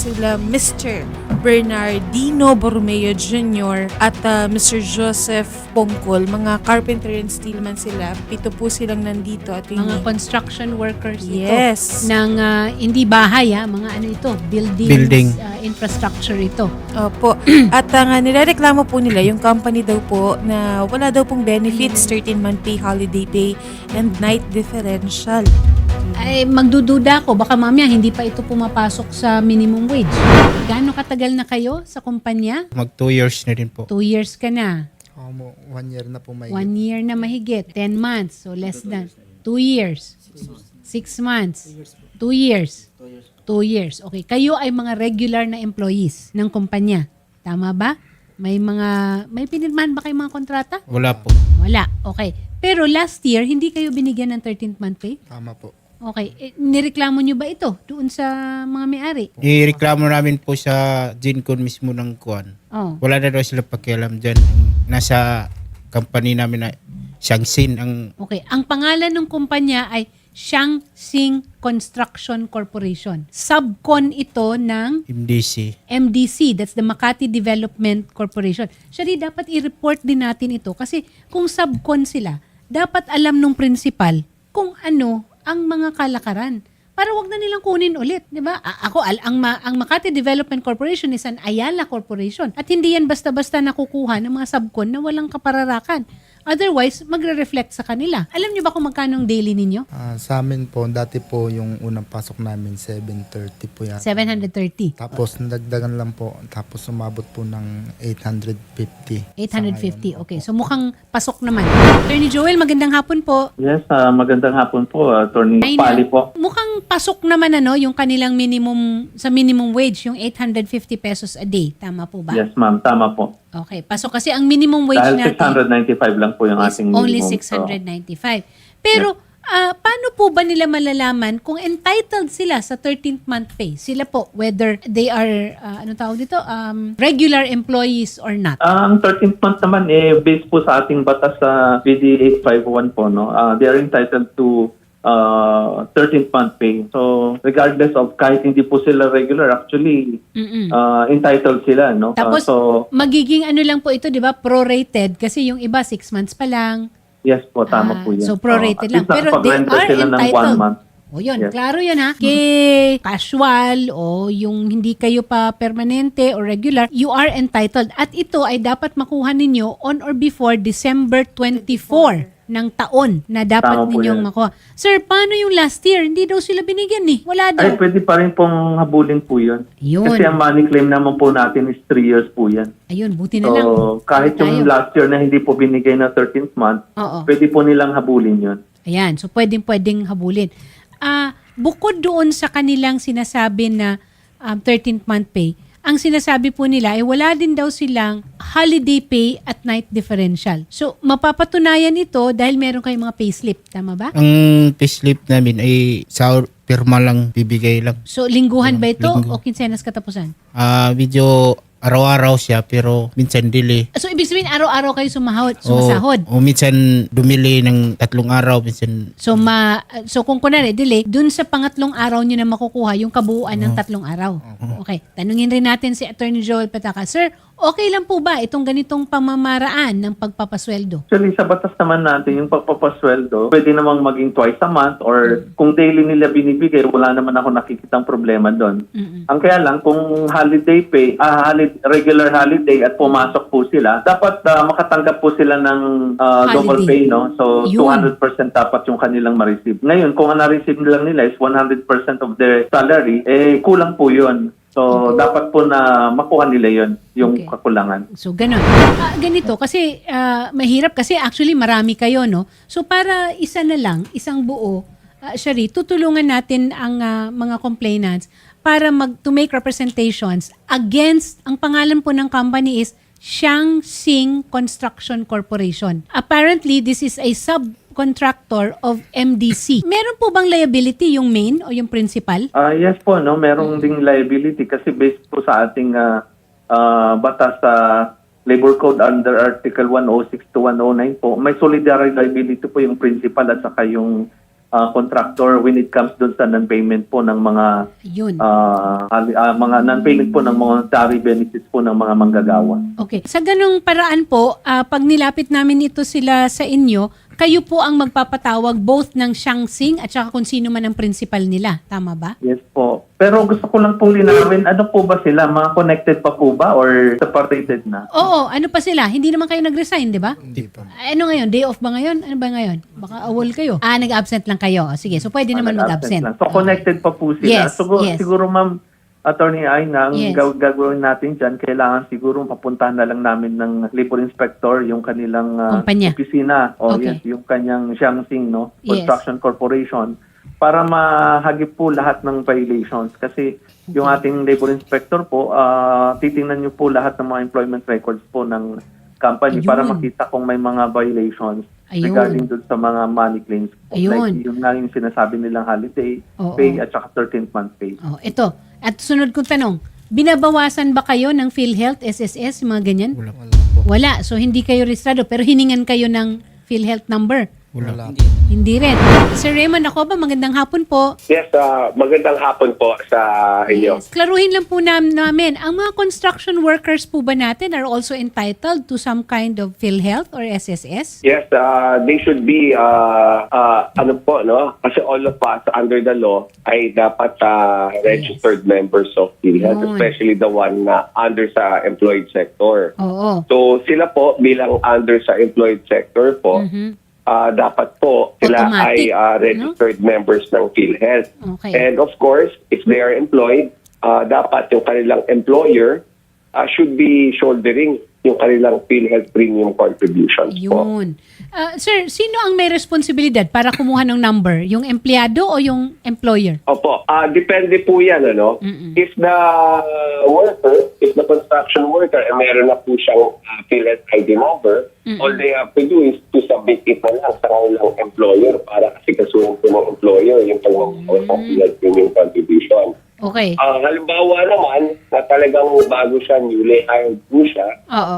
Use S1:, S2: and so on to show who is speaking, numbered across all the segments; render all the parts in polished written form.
S1: sila Mr. Bernardino Borromeo Jr. at Mr. Joseph Pongkol. Mga carpenter and steelman sila. 7 po silang nandito. At
S2: Mga construction workers
S1: yes.
S2: ito. Ng hindi bahay, mga ano ito, building. Infrastructure ito.
S1: Opo. At nilareklamo po nila yung company daw po na wala daw pong benefits, 13-month pay, holiday pay, and night differential.
S2: Ay, magdududa ako. Baka mamaya hindi pa ito pumapasok sa minimum wage. Gaano katagal na kayo sa kumpanya?
S3: Mag 2 years na rin po.
S2: 2 years ka na.
S4: 1 year na po may
S2: 1 year na mahigit. 10 months. So less than 2 years. 6 months. 2 years. 2 years. Okay. Kayo ay mga regular na employees ng kumpanya. Tama ba? May pinirmahan ba kayong mga kontrata?
S3: Wala po.
S2: Wala. Okay. Pero last year, hindi kayo binigyan ng 13th month pay?
S4: Tama po.
S2: Okay. Nireklamo nyo ba ito doon sa mga may-ari?
S3: Ireklamo namin po sa GenCon mismo ng Kuan.
S2: Oh.
S3: Wala na daw sila pakialam dyan. Nasa company namin na Shangsin ang
S2: Okay. Ang pangalan ng kumpanya ay Shaanxi Construction Corporation. Subcon ito ng
S3: MDC.
S2: MDC, that's the Makati Development Corporation. Shari, dapat i-report din natin ito kasi kung subcon sila, dapat alam nung principal kung ano ang mga kalakaran. Para wag na nilang kunin ulit, di ba? Ang Makati Development Corporation is an Ayala Corporation at hindi yan basta-basta nakukuha ng mga subcon na walang kapararakan. Otherwise, magre-reflect sa kanila. Alam niyo ba kung magkano ang daily ninyo?
S4: Sa amin po, dati po yung unang pasok namin, 730 po yan.
S2: 730.
S4: Tapos nadagdagan lang po, tapos umabot po ng 850.
S2: 850. Okay. So mukhang pasok naman. Attorney Joel, magandang hapon po.
S5: Yes, magandang hapon po, Attorney
S2: Ay,
S5: Pali po.
S2: Mukhang pasok naman yung kanilang minimum wage, yung 850 pesos a day. Tama po ba?
S5: Yes, ma'am, tama po.
S2: Okay. Pasok kasi ang minimum wage
S5: Dahil
S2: natin
S5: 695 lang po yung
S2: is
S5: ating minimum.
S2: only 695. Pero paano po ba nila malalaman kung entitled sila sa 13th month pay? Sila po, whether they are, regular employees or not?
S5: Ang 13th month naman, based po sa ating batas sa BD 851 po, no? They are entitled to 13th month pay. So, regardless of kahit hindi po sila regular, actually, entitled sila, no?
S2: Tapos,
S5: so,
S2: magiging ano lang po ito, di ba? Prorated. Kasi yung iba, 6 months pa lang.
S5: yes po, tama po yan.
S2: So, prorated
S5: At
S2: lang.
S5: least
S2: Pero they
S5: nakapag-render
S2: are
S5: sila ng 1
S2: entitled.
S5: month.
S2: O yun,
S5: Yes.
S2: klaro yun ha. Kay casual o yung hindi kayo pa permanente or regular, you are entitled. At ito ay dapat makuha ninyo on or before December 24 ng taon na dapat
S5: Tama po
S2: ninyong
S5: yan.
S2: makuha. Sir, paano yung last year? Hindi daw sila binigyan eh. Wala daw.
S5: Ay, pwede pa rin pong habulin po yun.
S2: Yun.
S5: Kasi ang money claim naman po natin is 3 years po yan.
S2: Ayun, buti na lang.
S5: So, kahit yung
S2: Tayo.
S5: last year na hindi po binigay na 13th month,
S2: Oo.
S5: pwede po nilang habulin yun.
S2: Ayan, so pwedeng habulin. Bukod doon sa kanilang sinasabi na 13th month pay, ang sinasabi po nila ay wala din daw silang holiday pay at night differential. So, mapapatunayan ito dahil meron kayong mga payslip. Tama ba?
S3: Ang payslip namin ay sa pirma lang, bibigay lang.
S2: So, lingguhan ba ito
S3: Linggo.
S2: o kinsenas katapusan?
S3: Medyo araw-araw siya pero minsan delay.
S2: So, ibig sabihin, araw-araw kayo sumasahod.
S3: O minsan dumili ng 3 araw, minsan
S2: So kung kunwari, delay, dun sa pangatlong araw nyo na makukuha yung kabuuan ng 3 araw. Okay. Tanungin rin natin si Attorney Joel Pataka. Sir, okay lang po ba itong ganitong pamamaraan ng pagpapasweldo?
S5: Actually, sa batas naman natin, yung pagpapasweldo, pwede namang maging twice a month or kung daily nila binibigay, wala naman ako nakikitang problema doon. Ang kaya lang, kung holiday pay, regular holiday at pumasok po sila, dapat makatanggap po sila ng double
S2: Holiday.
S5: pay, no? So,
S2: Yun.
S5: 200% dapat yung kanilang ma-receive. Ngayon, kung ang na-receive lang nila is 100% of their salary, kulang po yun. So, dapat po na makuha nila yun, yung
S2: Okay.
S5: kakulangan.
S2: So, ganun. Ganito, kasi mahirap kasi actually marami kayo, no? So, para isa na lang, isang buo, Shari, tutulungan natin ang mga complainants para to make representations against, ang pangalan po ng company is Shaanxi Construction Corporation. Apparently, this is a subcontractor of MDC. Meron po bang liability yung main o yung principal?
S5: Yes po, no, merong ding liability kasi based po sa ating batas sa Labor Code under Article 106 to 109 po, may solidarity liability po yung principal at saka yung contractor when it comes doon sa non-payment po ng mga
S2: Yun.
S5: mga non-payment po ng monetary benefits po ng mga manggagawa.
S2: Okay. Sa ganung paraan po, pag nilapit namin ito sila sa inyo, kayo po ang magpapatawag both ng Shaanxing at saka kung sino man ang principal nila. Tama ba?
S5: Yes po. Pero gusto ko lang pong linawin, ano po ba sila? Mga connected pa po ba or separated na?
S2: Oo, ano pa sila? Hindi naman kayo nag-resign, di ba?
S4: Hindi po.
S2: Ano ngayon? Day off ba ngayon? Ano ba ngayon? Baka awol kayo. Nag-absent lang kayo. Sige, so pwede naman
S5: Nag-absent
S2: mag-absent.
S5: lang. So connected pa po sila.
S2: Yes, yes.
S5: Siguro ma'am, Attorney Aina, ang
S2: Yes.
S5: gagawin natin dyan, kailangan siguro papuntahan na lang namin ng labor inspector yung kanilang
S2: Kumpanya.
S5: opisina o
S2: Okay.
S5: yes, yung kanyang Shaanxing, no?
S2: Yes.
S5: Construction Corporation para mahagip po lahat ng violations kasi yung ating labor inspector po, titingnan niyo po lahat ng mga employment records po ng company
S2: Ayun.
S5: para makita kung may mga violations
S2: Ayun.
S5: regarding dun sa mga money claims.
S2: Ayun.
S5: Like yung nga yung sinasabi nilang holiday
S2: Oo.
S5: pay at saka 13th month pay.
S2: Oh, ito. At sunod kong tanong, binabawasan ba kayo ng PhilHealth, SSS, mga ganyan?
S3: Wala.
S2: Wala. So, hindi kayo registrado pero hiningan kayo ng PhilHealth number?
S3: Wala.
S2: Hindi rin. Sir Raymond, ako ba? Magandang hapon po.
S6: Yes, magandang hapon po sa inyo.
S2: Yes. Klaruhin lang po namin, ang mga construction workers po ba natin are also entitled to some kind of PhilHealth or SSS?
S6: Yes, they should be, ano po, no? Kasi all of us under the law ay dapat registered members of PhilHealth,
S2: Yun.
S6: especially the one na under sa employed sector.
S2: Oo.
S6: So sila po bilang under sa employed sector po, dapat po sila
S2: Automatic,
S6: ay registered members ng PhilHealth.
S2: Okay.
S6: And of course, if they are employed, dapat yung kanilang employer should be shouldering yung kanilang PhilHealth premium contributions po.
S2: Yun. Sir, sino ang may responsibilidad para kumuha ng number? Yung empleyado o yung employer?
S6: Opo, depende po yan, ano? If the worker, if the construction worker, meron na po siyang PhilHealth ID number, all they have to do is to submit it na lang sa kanilang employer para asikasuhin po ng employer yung pagmamahal ng PhilHealth premium contribution.
S2: Okay.
S6: Halimbawa naman, na talagang bago siya, newly hired po siya,
S2: Oo.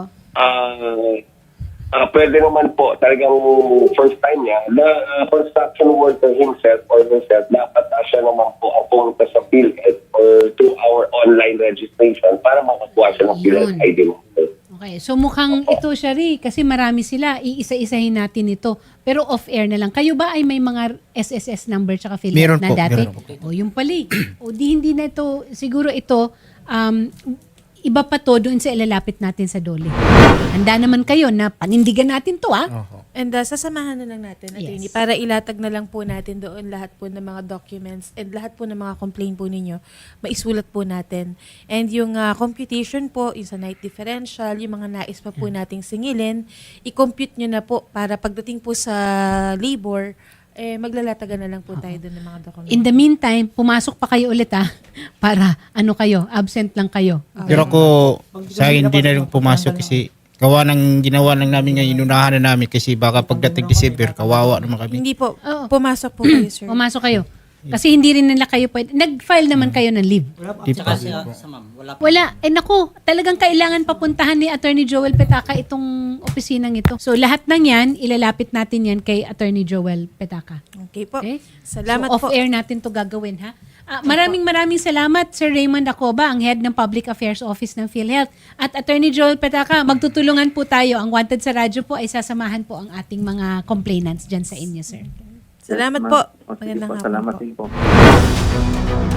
S6: pwede naman po talagang first time niya na construction worker himself or herself dapat siya naman po ang pumunta sa PhilHealth or through our online registration para makakuha siya ng PhilHealth
S2: Yun.
S6: ID number.
S2: Okay. So mukhang ito, Shari, kasi marami sila. Iisa-isahin natin ito. Pero off-air na lang. Kayo ba ay may mga SSS number tsaka PhilHealth
S3: Meron
S2: na
S3: po,
S2: dati?
S3: meron po.
S2: O yung pali. O hindi na ito, siguro ito, iba pa to doon sa ilalapit natin sa DOLE. Handa naman kayo na panindigan natin to,
S1: And sasamahan na lang natin, attorney,
S2: Yes.
S1: para ilatag na lang po natin doon lahat po ng mga documents and lahat po ng mga complaint po ninyo, maisulat po natin. And yung computation po, yung sa night differential, yung mga nais pa po nating singilin, i-compute nyo na po para pagdating po sa labor, maglalatagan na lang po tayo doon ng mga documents.
S2: In the meantime, pumasok pa kayo ulit para ano kayo, absent lang kayo.
S3: Pero ako, sa akin, hindi na rin pumasok kasi ginawa lang namin ngayon, inunahan na namin kasi baka pagdating December, kawawa naman kami.
S1: Hindi po,
S2: Oo.
S1: pumasok po kayo, sir.
S2: Pumasok kayo. Kasi hindi rin nila kayo pwede. Nag-file naman kayo ng leave.
S3: Di pa.
S2: Wala. Naku, talagang kailangan papuntahan ni Attorney Joel Petaka itong opisinang ito. So lahat ng yan, ilalapit natin yan kay Attorney Joel Petaka.
S1: Okay po.
S2: Okay?
S1: Salamat
S2: so,
S1: po.
S2: off-air natin to gagawin, ha? Maraming salamat, Sir Raymond Acoba, ang Head ng Public Affairs Office ng PhilHealth. At Attorney Joel Petaka, magtutulungan po tayo. Ang Wanted sa Radyo po ay sasamahan po ang ating mga complainants dyan sa inyo, sir.
S1: Salamat
S5: Yes,
S1: po.
S5: ma'am. O, sige
S1: Magandang
S5: po,
S1: hapon
S5: salamat
S1: po.
S5: din po.